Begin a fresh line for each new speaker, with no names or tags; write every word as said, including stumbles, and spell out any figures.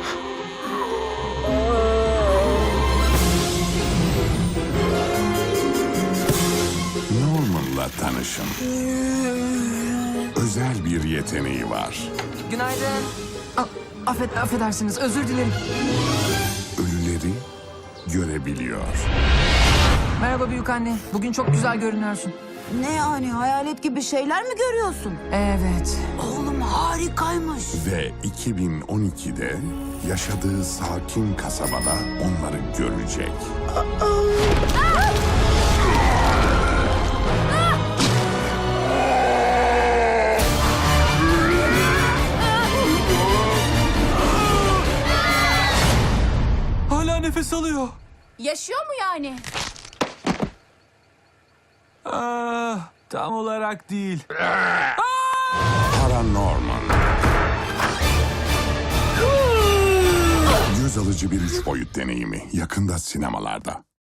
Norman'la tanışın. Özel bir yeteneği var.
Günaydın. A- affed affedersiniz, özür dilerim.
Ölüleri görebiliyor.
Merhaba büyük anne. Bugün çok güzel görünüyorsun.
Ne yani, hayalet gibi şeyler mi görüyorsun?
Evet.
Oğlum harikaymış.
Ve iki bin on ikide yaşadığı sakin kasabada onları görecek.
Hala nefes alıyor.
Yaşıyor mu yani?
Ah, tam olarak değil.
Paranorman. Göz alıcı bir üç boyut deneyimi yakında sinemalarda.